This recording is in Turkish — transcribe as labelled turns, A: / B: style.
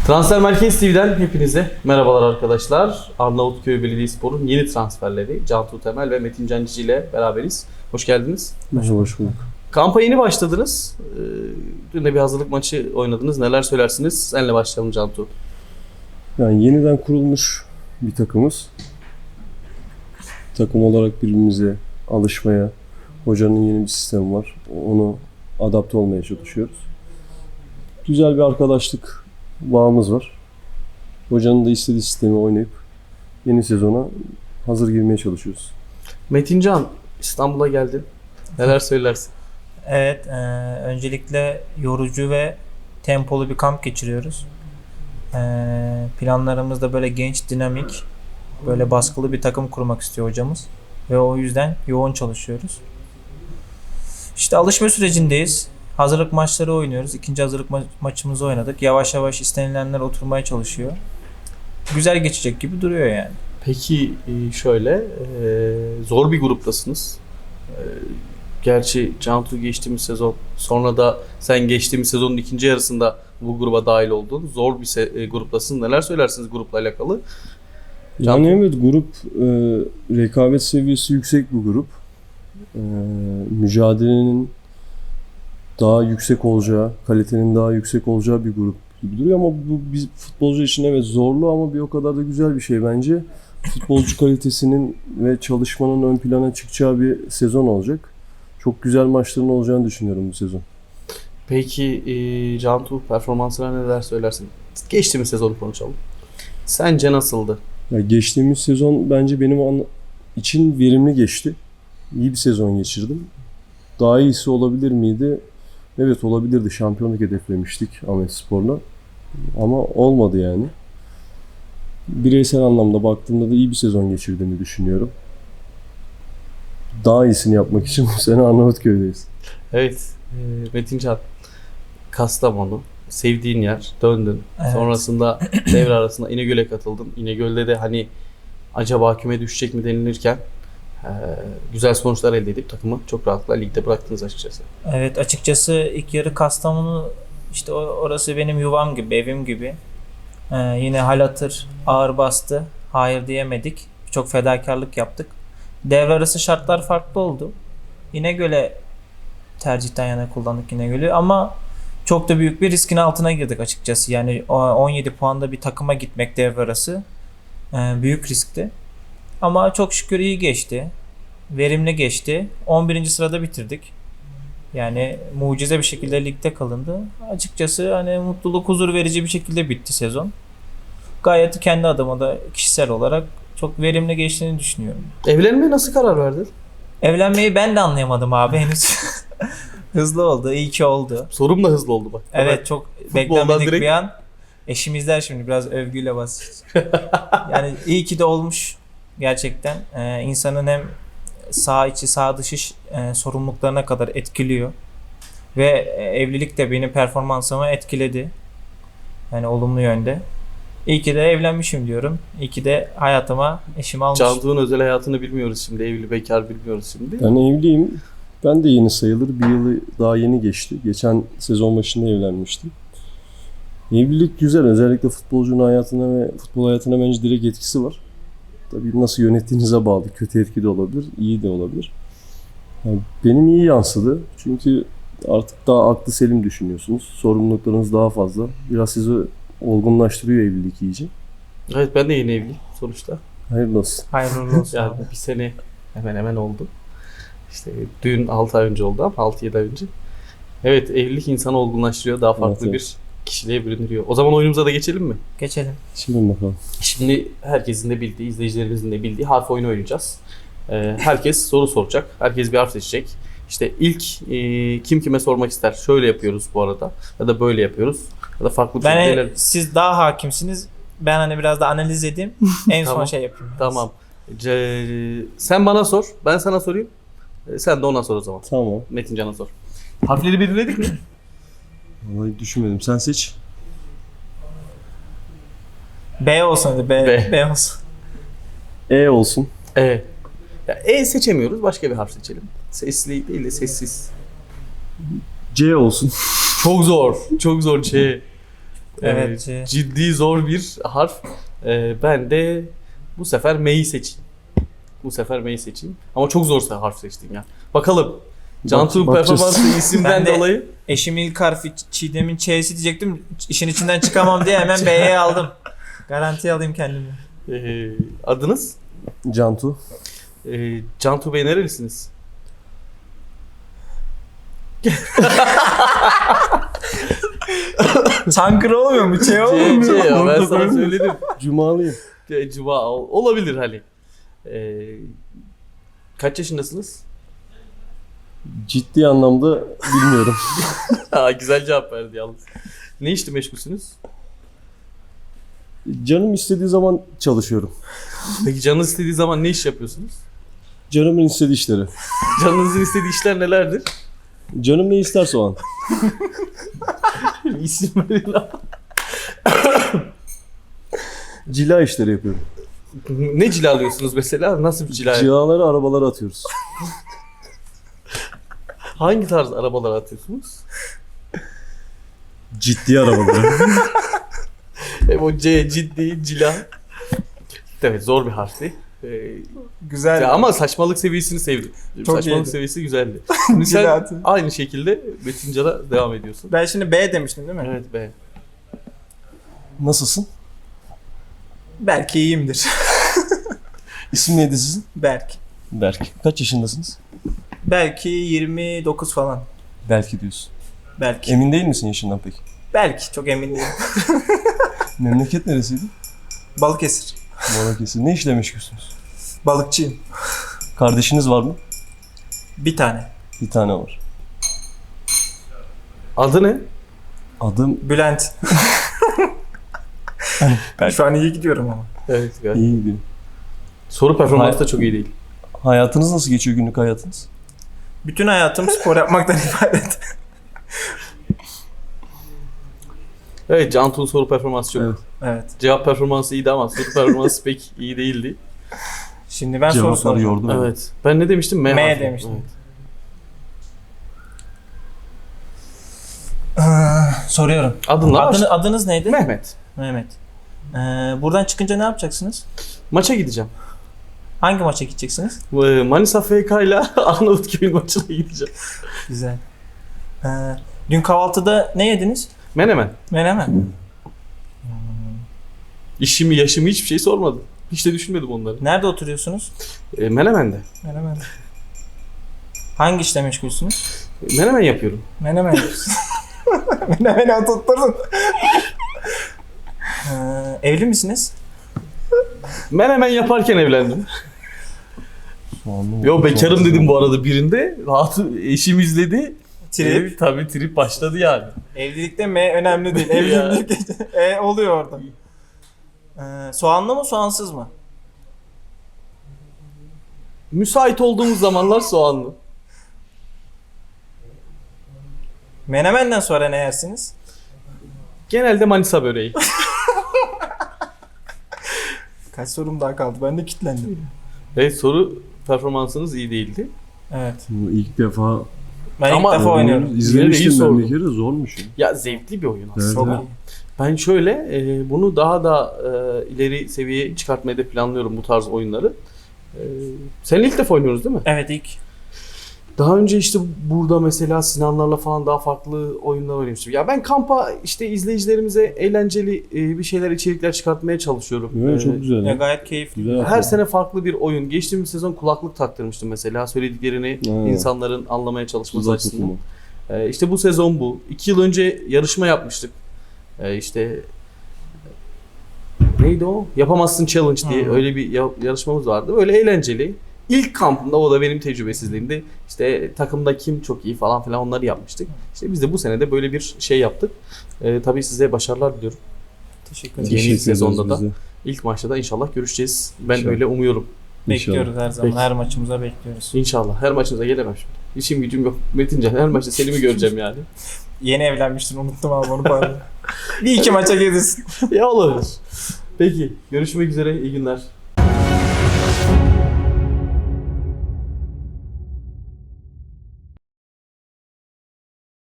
A: Transfer Merkez TV'den hepinize merhabalar arkadaşlar. Arnavutköy Belediyespor'un yeni transferleri Cantu Temel ve Metin Cancici ile beraberiz. Hoş geldiniz.
B: Hoş bulduk.
A: Kampa yeni başladınız. Dün de bir hazırlık maçı oynadınız. Neler söylersiniz? Seninle başlayalım Cantu.
B: Yani yeniden kurulmuş bir takımız. Takım olarak birbirimize alışmaya, hocanın yeni bir sistemi var. Onu adapte olmaya çalışıyoruz. Güzel bir arkadaşlık bağımız var. Hocanın da istediği sistemi oynayıp yeni sezona hazır girmeye çalışıyoruz.
A: Metin Can, İstanbul'a geldin. Neler söylersin?
C: Evet, öncelikle yorucu ve tempolu bir kamp geçiriyoruz. Planlarımızda böyle genç, dinamik, böyle baskılı bir takım kurmak istiyor hocamız. Ve o yüzden yoğun çalışıyoruz. İşte alışma sürecindeyiz. Hazırlık maçları oynuyoruz. İkinci hazırlık maçımızı oynadık. Yavaş yavaş istenilenler oturmaya çalışıyor. Güzel geçecek gibi duruyor yani.
A: Peki şöyle, zor bir gruptasınız. Gerçi Cantu geçtiğimiz sezon, sonra da sen geçtiğimiz sezonun ikinci yarısında bu gruba dahil oldun. Zor bir gruptasın. Neler söylersiniz grupla alakalı?
B: Yani evet, grup rekabet seviyesi yüksek bir grup. Mücadelenin daha yüksek olacağı, kalitenin daha yüksek olacağı bir grup gibi duruyor ama bu biz futbolcu için evet zorlu ama bir o kadar da güzel bir şey bence. Futbolcu kalitesinin ve çalışmanın ön plana çıkacağı bir sezon olacak. Çok güzel maçların olacağını düşünüyorum bu sezon.
A: Peki Cantu, performansına neler söylersin? Geçtiğimiz sezonu konuşalım. Sence nasıldı?
B: Ya geçtiğimiz sezon bence benim için verimli geçti. İyi bir sezon geçirdim. Daha iyisi olabilir miydi? Evet, olabilirdi. Şampiyonluk hedeflemiştik Ahmetspor'la. Ama olmadı yani. Bireysel anlamda baktığımda da iyi bir sezon geçirdiğimi düşünüyorum. Daha iyisini yapmak için bu sene Arnavutköy'deyiz.
A: Evet, Metin Can, Kastamonu, sevdiğin yer, döndün.
C: Evet.
A: Sonrasında devre arasında İnegöl'e katıldın. İnegöl'de de hani acaba küme düşecek mi denilirken güzel sonuçlar elde edip takımı çok rahatlıkla ligde bıraktınız açıkçası.
C: Evet, açıkçası ilk yarı Kastamonu, işte orası benim yuvam gibi, evim gibi. Yine hal hatır ağır bastı. Hayır diyemedik. Çok fedakarlık yaptık. Devre arası şartlar farklı oldu. İnegöl'e tercihten yana kullandık İnegöl'ü ama çok da büyük bir riskin altına girdik açıkçası. Yani 17 puanda bir takıma gitmek devre arası büyük riskti. Ama çok şükür iyi geçti. Verimli geçti. 11. sırada bitirdik. Yani mucize bir şekilde ligde kalındı. Açıkçası hani mutluluk, huzur verici bir şekilde bitti sezon. Gayet kendi adıma da kişisel olarak çok verimli geçtiğini düşünüyorum.
A: Evlenmeye nasıl karar verdin?
C: Evlenmeyi ben de anlayamadım abi henüz. Hızlı oldu, iyi ki oldu.
A: Sorum da hızlı oldu bak.
C: Evet, çok beklenmedik bir an. Eşim izler şimdi, biraz övgüyle basacağız. Yani iyi ki de olmuş gerçekten. İnsanın hem sağ içi sağ dışı sorumluluklarına kadar etkiliyor. Ve evlilik de benim performansımı etkiledi. Yani olumlu yönde. İyi ki de evlenmişim diyorum. İyi ki de hayatıma eşimi almışım.
A: Cantu'nun özel hayatını bilmiyoruz şimdi. Evli bekar bilmiyoruz şimdi.
B: Ben evliyim. Ben de yeni sayılır. Bir yılı daha yeni geçti. Geçen sezon başında evlenmiştim. Evlilik güzel. Özellikle futbolcunun hayatına ve futbol hayatına bence direkt etkisi var. Tabii nasıl yönettiğinize bağlı. Kötü etki de olabilir, iyi de olabilir. Yani benim iyi yansıdı. Çünkü artık daha aklı selim düşünüyorsunuz. Sorumluluklarınız daha fazla. Biraz sizi olgunlaştırıyor evlilik iyice.
A: Evet, ben de yeni evliyim sonuçta.
B: Hayırlı olsun.
C: Hayırlı olsun
A: Yani
C: abi.
A: bir sene hemen oldu. İşte düğün 6 ay önce oldu ama 6-7 ay önce. Evet, evlilik insanı olgunlaştırıyor. Daha farklı
B: Evet.
A: bir kişiliğe bürünüyor. O zaman oyunumuza da geçelim mi?
C: Geçelim.
B: Şimdi bakalım.
A: Şimdi herkesin de bildiği, izleyicilerimizin de bildiği harf oyunu oynayacağız. Herkes soru soracak. Herkes bir harf seçecek. İşte ilk kim kime sormak ister. Şöyle yapıyoruz bu arada. Ya da böyle yapıyoruz. Ya da farklı bir şekilde ilerleyelim.
C: Siz daha hakimsiniz. Ben hani biraz da analiz edeyim. En son
A: Tamam.
C: şey yapayım.
A: Tamam. Sen bana sor. Ben sana sorayım. Sen de ona sor o zaman.
B: Tamam.
A: Metin Can'a sor. Harfleri belirledik mi?
B: Vallahi düşünmedim. Sen seç.
C: B olsun hadi.
A: B.
C: B olsun.
B: E olsun.
A: Ya, seçemiyoruz. Başka bir harf seçelim. Sesli değil de sessiz.
B: C olsun.
A: Çok zor. Çok zor.
C: Evet.
A: Ciddi zor bir harf. Ben de bu sefer M'yi seçeyim. Ama çok zor harf seçtin ya. Bakalım. Cantu'nun
B: bakacağız.
A: performansı isimden
C: Ben de-
A: dolayı.
C: Eşimin ilk harfi Çiğdem'in Ç'si diyecektim. İşin içinden çıkamam diye hemen B'ye aldım. Garantiye alayım kendimi.
A: Adınız?
B: Cantu.
A: Cantu Bey nerelisiniz?
C: Çankırı olmuyor mu? Ç olmuyor mu?
A: Ya, ben sana söyledim.
B: Cumalıyım.
A: Cuma olabilir hani. Kaç yaşındasınız?
B: Ciddi anlamda bilmiyorum.
A: Güzel cevap verdi yalnız. Ne işle meşgulsünüz?
B: Canım istediği zaman çalışıyorum.
A: Peki canınız istediği zaman ne iş yapıyorsunuz?
B: Canımın istediği işleri.
A: Canınızın istediği işler nelerdir?
B: Canım ne isterse o an.
A: İsim verin lan.
B: Cila işleri yapıyorum.
A: Ne cilalıyorsunuz mesela? Nasıl bir cila?
B: Cilaları arabalara atıyoruz.
A: Hangi tarz arabalar atıyorsunuz?
B: Ciddi arabalara.
A: Hem o ciddi cila. Evet zor bir harfti.
C: Güzel.
A: Ya ama saçmalık seviyesini sevdim.
C: Çok
A: Saçmalık
C: iyiydi.
A: seviyesi güzeldi. Şimdi sen
C: Cilatı.
A: aynı şekilde Metincan'a devam ediyorsun.
C: Ben şimdi B demiştim değil mi?
A: Evet be.
B: Nasılsın?
C: Belki iyiyimdir.
B: İsim neydi sizin?
C: Berk.
B: Berk. Kaç yaşındasınız?
C: Belki 29 falan.
B: Belki diyorsun.
C: Belki.
B: Emin değil misin yaşından peki?
C: Belki. Çok emin değilim.
B: Memleket neresiydi?
C: Balıkesir.
B: Balıkesir. Ne işle meşgulsünüz?
C: Balıkçıyım.
B: Kardeşiniz var mı?
C: Bir tane.
B: Bir tane var.
A: Adı ne?
B: Adım
C: Bülent.
B: Belki.
C: Şu an iyi gidiyorum ama.
A: Evet galiba.
B: iyi gidiyor.
A: Soru performansı da çok iyi değil.
B: Hayatınız nasıl geçiyor, günlük hayatınız?
C: Bütün hayatım spor yapmaktan ibaret.
A: Evet Cantu'nun soru performansı çok.
B: Evet.
C: Evet.
A: Cevap performansı iyiydi ama soru performansı pek iyi değildi.
C: Şimdi ben soru
B: Cevapları
C: soracağım.
B: yordu beni.
A: Evet. Ben ne demiştim?
C: M
A: harfi.
C: demiştim.
A: Evet.
C: Soruyorum.
A: Adınla başla.
C: Adınız neydi?
A: Mehmet.
C: Mehmet. Buradan çıkınca ne yapacaksınız?
A: Maça gideceğim.
C: Hangi maça gideceksiniz?
A: Manisa FK ile Arnavutköy'ün maçına gideceğim.
C: Güzel. Dün kahvaltıda ne yediniz?
A: Menemen.
C: Menemen.
A: İşimi, yaşımı hiçbir şey sormadım. Hiç de düşünmedim onları.
C: Nerede oturuyorsunuz?
A: Menemen'de.
C: Menemen. Hangi işle meşgulsünüz?
A: Menemen yapıyorum.
C: Menemen yapıyorsunuz. Menemeni tutturdun. Evli misiniz?
A: Menemen yaparken evlendim.
B: Anladım.
A: Yo bekarım dedim bu arada birinde. Eşim izledi.
C: Trip.
A: Tabii trip başladı yani.
C: Evlilikte M önemli değil. Evlilik oluyor orada. Soğanlı mı soğansız mı?
A: Müsait olduğumuz zamanlar soğanlı.
C: Menemenden sonra ne yersiniz?
A: Genelde Manisa böreği.
C: Kaç sorum daha kaldı? Ben de kilitlendim.
A: Evet soru performansınız iyi değildi.
C: Evet.
B: Bu ilk defa
C: Ben
A: Ama
C: ilk defa oynuyorum.
A: Yine de iyi
B: izlemiştim ben
A: sordun.
B: bir kere, zormuş. Ya.
A: Ya zevkli bir oyun aslında.
B: Evet,
C: Çok
B: evet.
C: iyi.
A: Ben şöyle bunu daha da ileri seviyeye çıkartmayı da planlıyorum bu tarz oyunları. Seninle ilk defa oynuyoruz değil mi?
C: Evet ilk.
A: Daha önce işte burada mesela Sinanlarla falan daha farklı oyunlar oynamıştım. Ya ben kampa işte izleyicilerimize eğlenceli bir şeyler, içerikler çıkartmaya çalışıyorum.
B: Evet, çok güzel.
C: Ya
B: Ya.
C: gayet keyifli.
B: Güzel.
A: Her sene farklı bir oyun. Geçtiğimiz sezon kulaklık taktırmıştım mesela. Söylediklerini
B: Ha.
A: insanların anlamaya çalışması
B: Tuzak
A: açısından.
B: tutumu.
A: İşte bu sezon bu. 2 yıl önce yarışma yapmıştık. İşte neydi o? Yapamazsın Challenge diye öyle bir yarışmamız vardı. Öyle eğlenceli. İlk kampımda o da benim tecrübesizliğimde. İşte takımda kim çok iyi falan filan onları yapmıştık. İşte biz de bu sene de böyle bir şey yaptık. Tabii size başarılar diliyorum.
C: Teşekkür
A: Yeni
C: ederim.
B: Teşekkür ederiz
A: sezonda da.
B: bize.
A: İlk maçta da inşallah görüşeceğiz. Ben
B: İnşallah.
A: öyle umuyorum.
C: Bekliyoruz her zaman.
A: Peki.
C: Her maçımıza bekliyoruz.
A: İnşallah. Her maçınıza gelemem şimdi. İşim gücüm yok. Metincan her maçta Selim'i göreceğim yani.
C: Yeni evlenmiştin unuttum abi onu pardon. Bir iki maça gelirsin.
A: Ya olabilir. Peki. Görüşmek üzere. İyi günler.